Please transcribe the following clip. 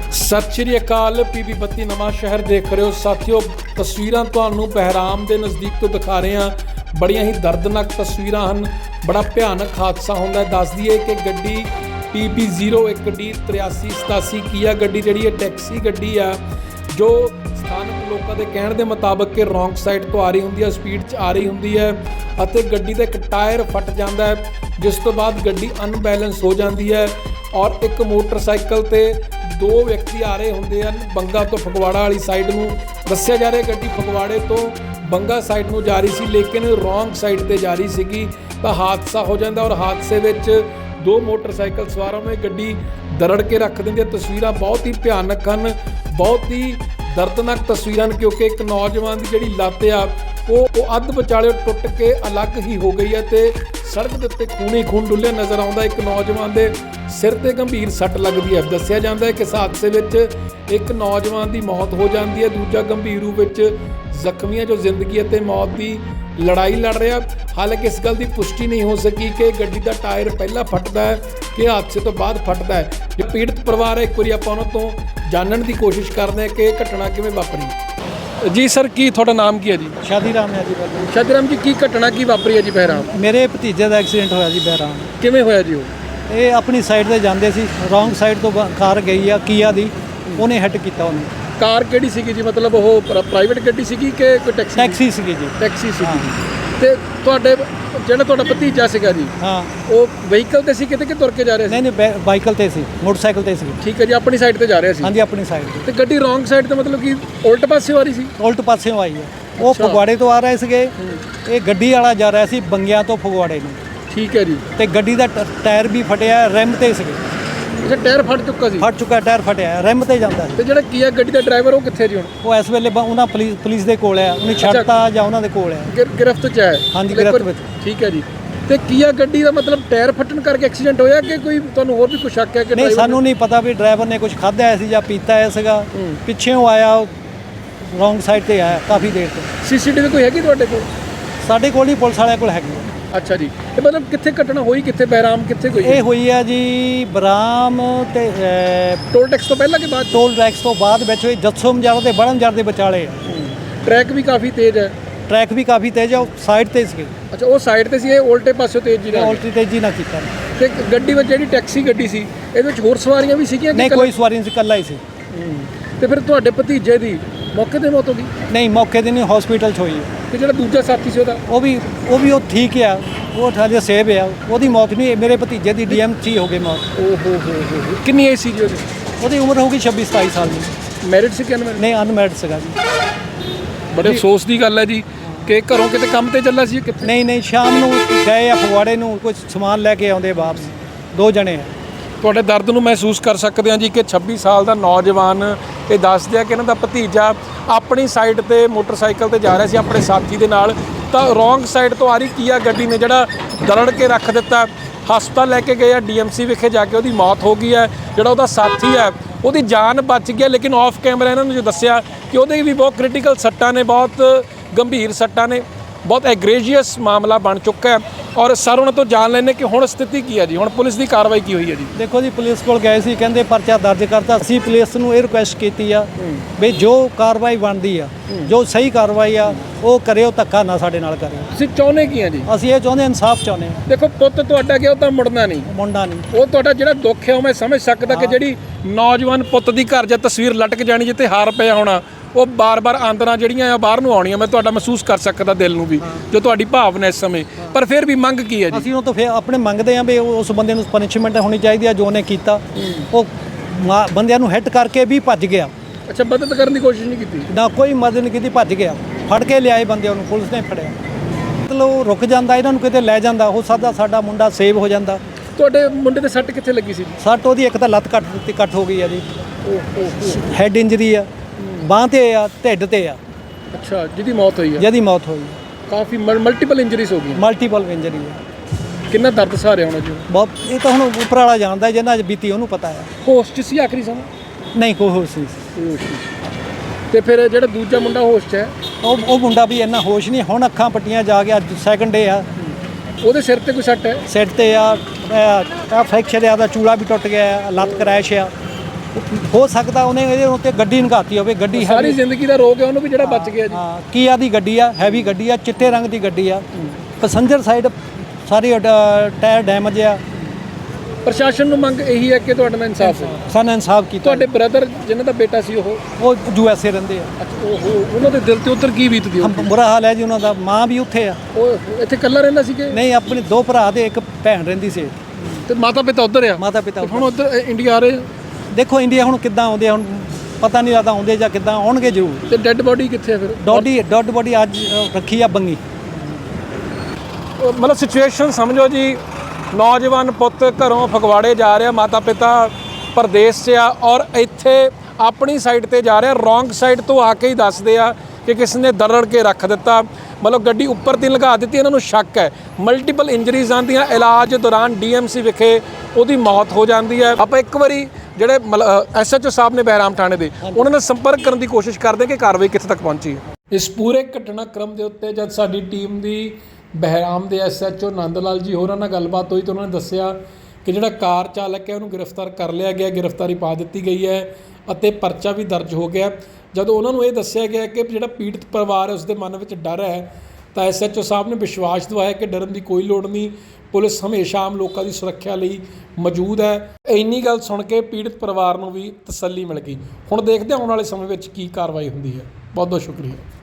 ਸਤਿ ਸ਼੍ਰੀ ਅਕਾਲ। PB 32 ਨਵਾਂ ਸ਼ਹਿਰ ਦੇਖ ਰਹੇ ਹੋ ਸਾਥੀਓ। ਤਸਵੀਰਾਂ ਤੁਹਾਨੂੰ ਬਹਿਰਾਮ ਦੇ ਨਜ਼ਦੀਕ ਤੋਂ ਦਿਖਾ ਰਹੇ ਹਾਂ। ਬੜੀਆਂ ਹੀ ਦਰਦਨਾਕ ਤਸਵੀਰਾਂ ਹਨ। ਬੜਾ ਭਿਆਨਕ ਹਾਦਸਾ ਹੁੰਦਾ। ਦੱਸ ਦਈਏ ਕਿ ਗੱਡੀ PB01D 8387 ਕੀਆ ਗੱਡੀ ਜਿਹੜੀ ਇਹ ਟੈਕਸੀ ਗੱਡੀ ਆ, ਜੋ ਸਥਾਨਕ ਲੋਕਾਂ ਦੇ ਕਹਿਣ ਦੇ ਮੁਤਾਬਕ ਕਿ ਰੌਂਗ ਸਾਈਡ ਤੋਂ ਆ ਰਹੀ ਹੁੰਦੀ ਹੈ, ਸਪੀਡ 'ਚ ਆ ਰਹੀ ਹੁੰਦੀ ਹੈ ਅਤੇ ਗੱਡੀ ਦਾ ਇੱਕ ਟਾਇਰ ਫਟ ਜਾਂਦਾ ਹੈ, ਜਿਸ ਤੋਂ ਬਾਅਦ ਗੱਡੀ ਅਨਬੈਲੈਂਸ ਹੋ ਜਾਂਦੀ ਹੈ ਔਰ ਇੱਕ ਮੋਟਰਸਾਈਕਲ ਤੇ ਦੋ ਵਿਅਕਤੀ ਆ ਰਹੇ ਹੁੰਦੇ ਹਨ ਬੰਗਾ ਤੋਂ ਫਗਵਾੜਾ ਵਾਲੀ ਸਾਈਡ ਨੂੰ। ਦੱਸਿਆ ਜਾ ਰਿਹਾ ਗੱਡੀ ਫਗਵਾੜੇ ਤੋਂ ਬੰਗਾ ਸਾਈਡ ਨੂੰ ਜਾ ਰਹੀ ਸੀ, ਲੇਕਿਨ ਰੌਂਗ ਸਾਈਡ ਤੇ ਜਾ ਰਹੀ ਸੀਗੀ ਤਾਂ ਹਾਦਸਾ ਹੋ ਜਾਂਦਾ ਔਰ ਹਾਦਸੇ ਵਿੱਚ ਦੋ ਮੋਟਰਸਾਈਕਲ ਸਵਾਰਾਂ ਨੂੰ ਇਹ ਗੱਡੀ ਦਰੜ ਕੇ ਰੱਖ ਦਿੰਦੀ ਹੈ। ਤਸਵੀਰਾਂ ਬਹੁਤ ਹੀ ਭਿਆਨਕ ਹਨ, ਬਹੁਤ ਹੀ ਦਰਦਨਾਕ ਤਸਵੀਰਾਂ ਹਨ, ਕਿਉਂਕਿ ਇੱਕ ਨੌਜਵਾਨ ਦੀ ਜਿਹੜੀ ਲੱਤ ਆ ਉਹ ਅੱਧ ਵਿਚਾਲੇ ਟੁੱਟ ਕੇ ਅਲੱਗ ਹੀ ਹੋ ਗਈ ਹੈ ਤੇ ਸੜਕ ਦੇ ਉੱਤੇ ਖੂਨ ਡੁੱਲਿਆ ਨਜ਼ਰ ਆਉਂਦਾ। ਇੱਕ ਨੌਜਵਾਨ ਦੇ ਸਿਰ ਤੇ ਗੰਭੀਰ ਸੱਟ ਲੱਗਦੀ ਹੈ। ਦੱਸਿਆ ਜਾਂਦਾ ਹੈ ਕਿ ਇਸ ਹਾਦਸੇ ਵਿੱਚ ਇੱਕ ਨੌਜਵਾਨ ਦੀ ਮੌਤ ਹੋ ਜਾਂਦੀ ਹੈ, ਦੂਜਾ ਗੰਭੀਰ ਰੂਪ ਵਿੱਚ ਜ਼ਖਮੀ ਹੈ, ਜੋ ਜ਼ਿੰਦਗੀ ਅਤੇ ਮੌਤ ਦੀ ਲੜਾਈ ਲੜ ਰਿਹਾ। ਹਾਲਾਂਕਿ ਇਸ ਗੱਲ ਦੀ ਪੁਸ਼ਟੀ ਨਹੀਂ ਹੋ ਸਕੀ ਕਿ ਗੱਡੀ ਦਾ ਟਾਇਰ ਪਹਿਲਾਂ ਫਟਦਾ ਹੈ ਕਿ ਹਾਦਸੇ ਤੋਂ ਬਾਅਦ ਫਟਦਾ ਹੈ। ਜੋ ਪੀੜਤ ਪਰਿਵਾਰ ਹੈ, ਇੱਕ ਵਾਰੀ ਆਪਾਂ ਉਹਨਾਂ ਤੋਂ ਜਾਣਨ ਦੀ ਕੋਸ਼ਿਸ਼ ਕਰਦੇ ਹਾਂ ਕਿ ਇਹ ਘਟਨਾ ਕਿਵੇਂ ਵਾਪਰੀ। ਜੀ ਸਰ, ਕੀ ਤੁਹਾਡਾ ਨਾਮ ਕੀ ਹੈ ਜੀ? ਸ਼ਾਦੀਰਾਮ ਹੈ ਜੀ। ਸ਼ਾਦੀਰਾਮ ਜੀ, ਕੀ ਘਟਨਾ ਕੀ ਵਾਪਰੀ ਹੈ ਜੀ ਬਹਿਰਾਮ? ਮੇਰੇ ਭਤੀਜੇ ਦਾ ਐਕਸੀਡੈਂਟ ਹੋਇਆ ਜੀ ਬਹਿਰਾਮ। ਕਿਵੇਂ ਹੋਇਆ ਜੀ ਉਹ? ਇਹ ਆਪਣੀ ਸਾਈਡ ਤੇ ਜਾਂਦੇ ਸੀ, ਰੌਂਗ ਸਾਈਡ ਤੋਂ ਕਾਰ ਗਈ ਆ ਕੀਆ ਦੀ, ਉਹਨੇ ਹਿੱਟ ਕੀਤਾ ਉਹਨੂੰ। ਕਾਰ ਕਿਹੜੀ ਸੀਗੀ ਜੀ? ਮਤਲਬ ਉਹ ਪ੍ਰਾਈਵੇਟ ਗੱਡੀ ਸੀਗੀ ਕਿ ਕੋਈ ਟੈਕਸੀ? ਟੈਕਸੀ ਸੀਗੀ ਜੀ। ਟੈਕਸੀ ਸੀਗੀ ਜੀ। ਤੇ ਤੁਹਾਡਾ ਭਤੀਜਾ ਸੀਗਾ ਜੀ, ਹਾਂ, ਉਹ ਵਹੀਕਲ ਤੇ ਸੀ ਕਿਤੇ ਕਿ ਤੁਰ ਕੇ ਜਾ ਰਿਹਾ ਸੀ? ਨਹੀਂ, ਬਾਈਕਲ ਤੇ ਸੀ, ਮੋਟਰਸਾਈਕਲ ਤੇ ਸੀ। ਠੀਕ ਹੈ ਜੀ, ਆਪਣੀ ਸਾਈਡ ਤੇ ਜਾ ਰਿਹਾ ਸੀ? ਹਾਂਜੀ, ਆਪਣੀ ਸਾਈਡ ਤੇ ਗੱਡੀ ਰੌਂਗ ਸਾਈਡ ਤੇ ਮਤਲਬ ਕਿ ਉਲਟ ਪਾਸੇ ਆ ਰਹੀ ਸੀ? ਉਲਟ ਪਾਸਿਓਂ ਆਈ ਹੈ। ਉਹ ਫਗਵਾੜੇ ਤੋਂ ਆ ਰਹੇ ਸੀਗੇ, ਇਹ ਗੱਡੀ ਵਾਲਾ ਜਾ ਰਿਹਾ ਸੀ ਬੰਗਿਆਂ ਤੋਂ ਫਗਵਾੜੇ ਨੂੰ। ਠੀਕ ਹੈ ਜੀ। ਤੇ ਗੱਡੀ ਦਾ ਟਾਇਰ ਵੀ ਫਟਿਆ, ਰਿਮ ਤੇ ਸੀਗੇ। ਅੱਛਾ, ਟਾਇਰ ਫਟ ਚੁੱਕਾ ਸੀ? ਫਟ ਚੁੱਕਾ ਟਾਇਰ, ਫਟਿਆ, ਰਿਮ ਤੇ ਜਾਂਦਾ। ਤੇ ਜਿਹੜਾ ਕੀ ਹੈ ਗੱਡੀ ਦਾ ਡਰਾਈਵਰ, ਉਹ ਕਿੱਥੇ ਜੀ ਹੁਣ? ਉਹ ਇਸ ਵੇਲੇ ਉਹਨਾਂ ਪੁਲਿਸ ਦੇ ਕੋਲ ਆ, ਉਹਨੇ ਛੱਡਤਾ ਜਾਂ ਉਹਨਾਂ ਦੇ ਕੋਲ ਆ। ਗ੍ਰਿਫਤ 'ਚ ਹੈ? ਹਾਂਜੀ, ਗ੍ਰਿਫਤ ਵਿੱਚ। ਠੀਕ ਹੈ ਜੀ। ਤੇ ਕੀਆ ਗੱਡੀ ਦਾ ਮਤਲਬ ਟਾਇਰ ਫਟਣ ਕਰਕੇ ਐਕਸੀਡੈਂਟ ਹੋਇਆ ਕਿ ਕੋਈ ਤੁਹਾਨੂੰ ਹੋਰ ਵੀ ਕੁਝ ਸ਼ੱਕ ਹੈ ਕਿ? ਨਹੀਂ, ਸਾਨੂੰ ਨਹੀਂ ਪਤਾ ਵੀ ਡਰਾਈਵਰ ਨੇ ਕੁਝ ਖਾਧਾ ਹੈ ਸੀ ਜਾਂ ਪੀਤਾ ਹੈ ਸੀਗਾ। ਪਿੱਛੇੋਂ ਆਇਆ, ਰੌਂਗ ਸਾਈਡ ਤੇ ਆਇਆ ਕਾਫੀ ਦੇਰ ਤੋਂ। CCTV ਕੋਈ ਹੈਗੀ ਤੁਹਾਡੇ ਕੋਲ? ਸਾਡੇ ਕੋਲ ਨਹੀਂ, ਪੁਲਿਸ ਵਾਲਿਆਂ ਕੋਲ ਹੈਗੀ। ਅੱਛਾ ਜੀ। ਤੇ ਮਤਲਬ ਕਿੱਥੇ ਘਟਨਾ ਹੋਈ, ਕਿੱਥੇ ਬਹਿਰਾਮ ਕਿੱਥੇ ਹੋਈ? ਇਹ ਹੋਈ ਆ ਜੀ ਬਰਾਮ ਤੇ ਟੋਲ ਟੈਕਸ ਤੋਂ ਪਹਿਲਾਂ ਕਿ ਬਾਅਦ? ਟੋਲ ਟੈਕਸ ਤੋਂ ਬਾਅਦ ਵਿੱਚ ਹੋਈ। ਜੱਸੋ ਮਜਾਰਾ ਤੇ ਬੜਨ ਜਰ ਦੇ ਵਿਚਾਲੇ। ਟਰੈਕ ਵੀ ਕਾਫੀ ਤੇਜ਼ ਹੈ? ਟਰੈਕ ਵੀ ਕਾਫੀ ਤੇਜ਼ ਆ, ਉਹ ਸਾਈਡ ਤੇ ਸੀ। ਅੱਛਾ, ਉਹ ਸਾਈਡ ਤੇ ਸੀ, ਇਹ ਉਲਟੇ ਪਾਸਿਓਂ ਤੇਜ਼ੀ ਨਾਲ? ਉਲਟੀ ਤੇਜ਼ੀ ਨਾਲ ਕੀਤਾ। ਤੇ ਗੱਡੀ ਵਿੱਚ ਜਿਹੜੀ ਟੈਕਸੀ ਗੱਡੀ ਸੀ, ਇਹਦੇ ਵਿੱਚ ਹੋਰ ਸਵਾਰੀਆਂ ਵੀ ਸੀਗੀਆਂ? ਨਹੀਂ, ਕੋਈ ਸਵਾਰੀ ਨਹੀਂ ਸੀ, ਇਕੱਲਾ ਹੀ ਸੀ। ਤੇ ਫਿਰ ਤੁਹਾਡੇ ਭਤੀਜੇ ਦੀ ਮੌਕੇ ਤੇ ਮੌਤ ਹੋ ਗਈ? ਨਹੀਂ, ਮੌਕੇ ਤੇ ਨਹੀਂ, ਹਸਪੀਟਲ 'ਚ ਹੋਈ ਹੈ। ਤੇ ਜਿਹੜਾ ਦੂਜਾ ਸਾਥੀ ਸੀ ਉਹਦਾ? ਉਹ ਵੀ ਠੀਕ ਆ, ਉਹ ਹਾਲੇ ਸੇਵ ਆ, ਉਹਦੀ ਮੌਤ ਨਹੀਂ। ਮੇਰੇ ਭਤੀਜੇ ਦੀ DM 'ਚ ਹੀ ਹੋ ਗਈ ਮੌਤ। ਓਹੋ ਹੋ। ਕਿੰਨੀ ਏਜ ਸੀ ਜੀ ਉਹਦੀ? ਉਹਦੀ ਉਮਰ ਹੋਊਗੀ 26-27 ਸਾਲ ਦੀ। ਮੈਰਿਡ ਸੀ ਕਿ ਅਨਮੈਰਿਡ? ਨਹੀਂ, ਅਨਮੈਰਿਡ ਸੀਗਾ ਜੀ। ਬੜੇ ਅਫਸੋਸ ਦੀ ਗੱਲ ਹੈ ਜੀ ਕਿ ਘਰੋਂ ਕਿਤੇ ਕੰਮ ਤੇ ਚੱਲਾ ਸੀ ਕਿੱਥੇ? ਨਹੀਂ, ਸ਼ਾਮ ਨੂੰ ਗਏ ਆ ਫਗਵਾੜੇ ਨੂੰ, ਕੁਝ ਸਮਾਨ ਲੈ ਕੇ ਆਉਂਦੇ ਵਾਪਸ, ਦੋ ਜਣੇ ਆ। ਤੁਹਾਡੇ ਦਰਦ ਨੂੰ ਮਹਿਸੂਸ ਕਰ ਸਕਦੇ ਹਾਂ ਜੀ ਕਿ 26 ਸਾਲ ਦਾ ਨੌਜਵਾਨ ਇਹ ਦੱਸਦੇ ਆ ਕਿ ਇਹਨਾਂ ਦਾ ਭਤੀਜਾ ਆਪਣੀ ਸਾਈਡ ਤੇ ਮੋਟਰਸਾਈਕਲ ਤੇ ਜਾ ਰਿਹਾ ਸੀ ਆਪਣੇ ਸਾਥੀ ਦੇ ਨਾਲ, ਤਾਂ ਰੌਂਗ ਸਾਈਡ ਤੋਂ ਆ ਰਹੀ ਕੀਆ ਗੱਡੀ ਨੇ ਜਿਹੜਾ ਦਰੜ ਕੇ ਰੱਖ ਦਿੱਤਾ। ਹਸਪਤਾਲ ਲੈ ਕੇ ਗਏ ਆ, DMC ਵਿਖੇ ਜਾ ਕੇ ਉਹਦੀ ਮੌਤ ਹੋ ਗਈ ਹੈ। ਜਿਹੜਾ ਉਹਦਾ ਸਾਥੀ ਹੈ ਉਹਦੀ ਜਾਨ ਬਚ ਗਿਆ, ਲੇਕਿਨ ਆਫ ਕੈਮਰਾ ਇਹਨਾਂ ਨੂੰ ਜੋ ਦੱਸਿਆ ਕਿ ਉਹਦੇ ਵੀ ਬਹੁਤ ਕ੍ਰਿਟੀਕਲ ਸੱਟਾਂ ਨੇ, ਬਹੁਤ ਗੰਭੀਰ ਸੱਟਾਂ ਨੇ, ਬਹੁਤ ਐਗਰੇਜੀਅਸ ਮਾਮਲਾ ਬਣ ਚੁੱਕਾ ਹੈ। ਔਰ ਸਰ ਉਹਨਾਂ ਤੋਂ ਜਾਣ ਲੈਣੇ ਕਿ ਹੁਣ ਸਥਿਤੀ ਕੀ ਹੈ ਜੀ, ਹੁਣ ਪੁਲਿਸ ਦੀ ਕਾਰਵਾਈ ਕੀ ਹੋਈ ਹੈ ਜੀ? ਦੇਖੋ ਜੀ, ਪੁਲਿਸ ਕੋਲ ਗਏ ਸੀ, ਕਹਿੰਦੇ ਪਰਚਾ ਦਰਜ ਕਰਤਾ। ਅਸੀਂ ਪੁਲਿਸ ਨੂੰ ਇਹ ਰਿਕੁਐਸਟ ਕੀਤੀ ਆ ਵੀ ਜੋ ਕਾਰਵਾਈ ਬਣਦੀ ਆ, ਜੋ ਸਹੀ ਕਾਰਵਾਈ ਆ ਉਹ ਕਰਿਓ, ਧੱਕਾ ਨਾ ਸਾਡੇ ਨਾਲ ਕਰਿਓ। ਤੁਸੀਂ ਚਾਹੁੰਦੇ ਕੀ ਆ ਜੀ? ਅਸੀਂ ਇਹ ਚਾਹੁੰਦੇ, ਇਨਸਾਫ ਚਾਹੁੰਦੇ ਹਾਂ। ਦੇਖੋ, ਪੁੱਤ ਤੁਹਾਡਾ ਗਿਆ, ਉਹ ਤਾਂ ਮੁੜਨਾ ਨਹੀਂ, ਮੁੰਡਾ ਨਹੀਂ। ਉਹ ਤੁਹਾਡਾ ਜਿਹੜਾ ਦੁੱਖ ਹੈ ਉਹ ਮੈਂ ਸਮਝ ਸਕਦਾ ਕਿ ਜਿਹੜੀ ਨੌਜਵਾਨ ਪੁੱਤ ਦੀ ਘਰ ਜਾਂ ਤਸਵੀਰ ਲਟਕ ਜਾਣੀ, ਜਿੱਥੇ ਹਾਰ ਪਿਆ ਹੋਣਾ, ਉਹ ਬਾਰ-ਬਾਰ ਆਂਦਰਾਂ ਜਿਹੜੀਆਂ ਆ ਬਾਹਰ ਨੂੰ ਆਉਣੀਆਂ, ਮੈਂ ਤੁਹਾਡਾ ਮਹਿਸੂਸ ਕਰ ਸਕਦਾ ਦਿਲ ਨੂੰ ਵੀ, ਜੋ ਤੁਹਾਡੀ ਭਾਵਨਾ ਇਸ ਸਮੇਂ। ਪਰ ਫਿਰ ਵੀ ਮੰਗ ਕੀ ਹੈ ਜੀ? ਅਸੀਂ ਉਹ ਤੋਂ ਫਿਰ ਆਪਣੇ ਮੰਗਦੇ ਹਾਂ ਵੀ ਉਸ ਬੰਦੇ ਨੂੰ ਪਨਿਸ਼ਮੈਂਟ ਹੋਣੀ ਚਾਹੀਦੀ ਆ ਜੋ ਉਹਨੇ ਕੀਤਾ। ਉਹ ਬੰਦਿਆਂ ਨੂੰ ਹਿੱਟ ਕਰਕੇ ਵੀ ਭੱਜ ਗਿਆ। ਅੱਛਾ, ਮਦਦ ਕਰਨ ਦੀ ਕੋਸ਼ਿਸ਼ ਨਹੀਂ ਕੀਤੀ? ਨਾ, ਕੋਈ ਮਦਦ ਨਹੀਂ ਕੀਤੀ, ਭੱਜ ਗਿਆ। ਫੜ ਕੇ ਲਿਆਏ ਬੰਦਿਆਂ ਨੂੰ, ਪੁਲਿਸ ਨੇ ਫੜਿਆ। ਮਤਲਬ ਰੁਕ ਜਾਂਦਾ, ਇਹਨਾਂ ਨੂੰ ਕਿਤੇ ਲੈ ਜਾਂਦਾ, ਹੋ ਸਕਦਾ ਸਾਡਾ ਮੁੰਡਾ ਸੇਵ ਹੋ ਜਾਂਦਾ। ਤੁਹਾਡੇ ਮੁੰਡੇ ਦੇ ਸੱਟ ਕਿੱਥੇ ਲੱਗੀ ਸੀ? ਸੱਟ ਉਹਦੀ ਇੱਕ ਤਾਂ ਲੱਤ ਕੱਟ ਹੋ ਗਈ ਆ ਜੀ, ਹੈਡ ਇੰਜਰੀ ਆ, ਬਾਂਹ ਤੇ ਆ, ਢਿੱਡ ਤੇ ਆ। ਅੱਛਾ, ਜਿਹਦੀ ਮੌਤ ਹੋਈ ਹੈ? ਜਿਹਦੀ ਮੌਤ ਹੋਈ। ਕਾਫੀ ਮਲਟੀਪਲ ਇੰਜਰੀਜ਼ ਹੋ ਗਈਆਂ? ਮਲਟੀਪਲ ਇੰਜਰੀ ਹੈ। ਕਿੰਨਾ ਦਰਦ ਸਹਾਰਿਆ ਹੋਣਾ ਜੀ? ਬਹੁਤ। ਇਹ ਤਾਂ ਹੁਣ ਉੱਪਰ ਵਾਲਾ ਜਾਣਦਾ, ਜਿਹਨਾਂ 'ਚ ਬੀਤੀ ਉਹਨੂੰ ਪਤਾ ਹੈ। ਹੋਸ਼ 'ਚ ਸੀ ਆਖਰੀ ਸਮਾਂ? ਨਹੀਂ, ਕੋਈ ਹੋਸ਼ ਨਹੀਂ। ਤੇ ਫਿਰ ਜਿਹੜਾ ਦੂਜਾ ਮੁੰਡਾ ਹੋਸ਼ 'ਚ ਹੈ, ਉਹ ਮੁੰਡਾ ਵੀ ਇੰਨਾ ਹੋਸ਼ ਨਹੀਂ। ਹੁਣ ਅੱਖਾਂ ਪੱਟੀਆਂ ਜਾ ਕੇ, ਅੱਜ ਸੈਕੰਡ ਡੇ ਆ। ਉਹਦੇ ਸਿਰ ਤੇ ਕੋਈ ਸੱਟ ਹੈ? ਸਿਰ ਤੇ ਆ ਫ੍ਰੈਕਚਰ ਆ, ਉਹਦਾ ਚੂੜਾ ਵੀ ਟੁੱਟ ਗਿਆ, ਲੱਤ ਕਰੈਸ਼ ਆ। ਹੋ ਸਕਦਾ ਉਹਨੇ ਇਹਦੇ ਉੱਤੇ ਗੱਡੀ ਨਗਾਤੀ ਹੋਵੇ। ਗੱਡੀ ਸਾਰੀ ਹੈਵੀ ਜ਼ਿੰਦਗੀ ਦਾ ਰੋਗ ਹੈ ਉਹਨੂੰ ਵੀ ਜਿਹੜਾ ਬਚ ਗਿਆ ਜੀ। ਹਾਂ, ਕੀਆ ਦੀ ਗੱਡੀ ਆ, ਹੈਵੀ ਗੱਡੀ ਆ, ਚਿੱਟੇ ਰੰਗ ਦੀ ਗੱਡੀ ਆ। ਪੈਸੰਜਰ ਸਾਈਡ ਸਾਰੀ ਟਾਇਰ ਡੈਮੇਜ ਆ। ਪ੍ਰਸ਼ਾਸਨ ਨੂੰ ਮੰਗ ਇਹੀ ਹੈ ਕਿ ਤੁਹਾਡੇ ਨਾਲ ਇਨਸਾਫ ਹੋਵੇ। ਸਾਨੂੰ ਇਨਸਾਫ ਕੀਤਾ। ਤੁਹਾਡੇ ਬ੍ਰਦਰ ਜਿਨ੍ਹਾਂ ਦਾ ਬੇਟਾ ਸੀ ਉਹ USA ਰਹਿੰਦੇ ਆ। ਉਹਨਾਂ ਦੇ ਦਿਲ ਤੇ ਉੱਧਰ ਕੀ ਬੀਤਦੀ ਹੋਊਗੀ? ਬੁਰਾ ਹਾਲ ਹੈ ਜੀ ਉਹਨਾਂ ਦਾ। ਮਾਂ ਵੀ ਉੱਥੇ ਆ। ਉਹ ਇੱਥੇ ਇਕੱਲਾ ਰਹਿੰਦਾ ਸੀ ਕਿ ਨਹੀਂ, ਆਪਣੇ 2 ਭਰਾ ਤੇ 1 ਭੈਣ ਰਹਿੰਦੀ ਸੀ। ਤੇ ਮਾਤਾ ਪਿਤਾ ਉੱਧਰ ਆ? ਮਾਤਾ ਪਿਤਾ ਹੁਣ ਉੱਧਰ ਇੰਡੀਆ ਆ ਰਹੇ ਆ? ਦੇਖੋ ਇੰਡੀਆ ਹੁਣ ਕਿੱਦਾਂ ਆਉਂਦੇ ਆ, ਹੁਣ ਪਤਾ ਨਹੀਂ ਲੱਗਦਾ ਆਉਂਦੇ ਜਾਂ ਕਿੱਦਾਂ ਆਉਣਗੇ ਜ਼ਰੂਰ। ਤੇ ਡੈੱਡ ਬੋਡੀ ਕਿੱਥੇ ਆ ਫਿਰ? ਡੈਡ ਬੋਡੀ ਅੱਜ ਰੱਖੀ ਆ ਬੰਗੀ। ਮਤਲਬ ਸਿਚੁਏਸ਼ਨ ਸਮਝੋ ਜੀ, ਨੌਜਵਾਨ ਪੁੱਤ ਘਰੋਂ ਫਗਵਾੜੇ ਜਾ ਰਿਹਾ, ਮਾਤਾ ਪਿਤਾ ਪ੍ਰਦੇਸ਼ 'ਚ ਆ ਔਰ ਇੱਥੇ ਆਪਣੀ ਸਾਈਡ ਤੇ ਜਾ ਰਿਹਾ, ਰੋਂਗ ਸਾਈਡ ਤੋਂ ਆ ਕੇ ਹੀ ਦੱਸਦੇ ਆ ਕਿ ਕਿਸ ਨੇ ਦਰੜ ਕੇ ਰੱਖ ਦਿੱਤਾ। ਮਤਲਬ ਗੱਡੀ ਉੱਪਰ ਦੀ ਲਗਾ ਦਿੱਤੀ। ਇਹਨਾਂ ਨੂੰ ਸ਼ੱਕ ਹੈ ਮਲਟੀਪਲ ਇੰਜਰੀਜ਼ ਆਉਂਦੀਆਂ, ਇਲਾਜ ਦੌਰਾਨ DMC ਵਿਖੇ ਉਹਦੀ ਮੌਤ ਹੋ ਜਾਂਦੀ ਹੈ। ਆਪਾਂ ਇੱਕ ਵਾਰੀ ਜਿਹੜੇ SHO ਸਾਹਿਬ ਨੇ ਬਹਿਰਾਮ ਥਾਣੇ ਦੇ, ਉਹਨਾਂ ਨਾਲ ਸੰਪਰਕ ਕਰਨ ਦੀ ਕੋਸ਼ਿਸ਼ ਕਰਦੇ ਕਿ ਕਾਰਵਾਈ ਕਿੱਥੇ ਤੱਕ ਪਹੁੰਚੀ ਹੈ। ਇਸ ਪੂਰੇ ਘਟਨਾਕ੍ਰਮ ਦੇ ਉੱਤੇ ਜਦ ਸਾਡੀ ਟੀਮ ਦੀ ਬਹਿਰਾਮ ਦੇ SHO ਨੰਦ ਲਾਲ ਜੀ ਹੋਰਾਂ ਨਾਲ ਗੱਲਬਾਤ ਹੋਈ ਤਾਂ ਉਹਨਾਂ ਨੇ ਦੱਸਿਆ ਕਿ ਜਿਹੜਾ ਕਾਰ ਚਾਲਕ ਹੈ ਉਹਨੂੰ ਗ੍ਰਿਫਤਾਰ ਕਰ ਲਿਆ ਗਿਆ, ਗ੍ਰਿਫਤਾਰੀ ਪਾ ਦਿੱਤੀ ਗਈ ਹੈ ਅਤੇ ਪਰਚਾ ਵੀ ਦਰਜ ਹੋ ਗਿਆ। ਜਦੋਂ ਉਹਨਾਂ ਨੂੰ ਇਹ ਦੱਸਿਆ ਗਿਆ ਕਿ ਜਿਹੜਾ ਪੀੜਤ ਪਰਿਵਾਰ ਹੈ ਉਸਦੇ ਮਨ ਵਿੱਚ ਡਰ ਹੈ ਤਾਂ SHO ਸਾਹਿਬ ਨੇ ਵਿਸ਼ਵਾਸ ਦਿਵਾਇਆ ਕਿ ਡਰਨ ਦੀ ਕੋਈ ਲੋੜ ਨਹੀਂ, ਪੁਲਿਸ ਹਮੇਸ਼ਾ ਆਮ ਲੋਕਾਂ ਦੀ ਸੁਰੱਖਿਆ ਲਈ ਮੌਜੂਦ ਹੈ। ਇੰਨੀ ਗੱਲ ਸੁਣ ਕੇ ਪੀੜਤ ਪਰਿਵਾਰ ਨੂੰ ਵੀ ਤਸੱਲੀ ਮਿਲ ਗਈ। ਹੁਣ ਦੇਖਦੇ ਹਾਂ ਆਉਣ ਵਾਲੇ ਸਮੇਂ ਵਿੱਚ ਕੀ ਕਾਰਵਾਈ ਹੁੰਦੀ ਹੈ। ਬਹੁਤ ਬਹੁਤ ਸ਼ੁਕਰੀਆ।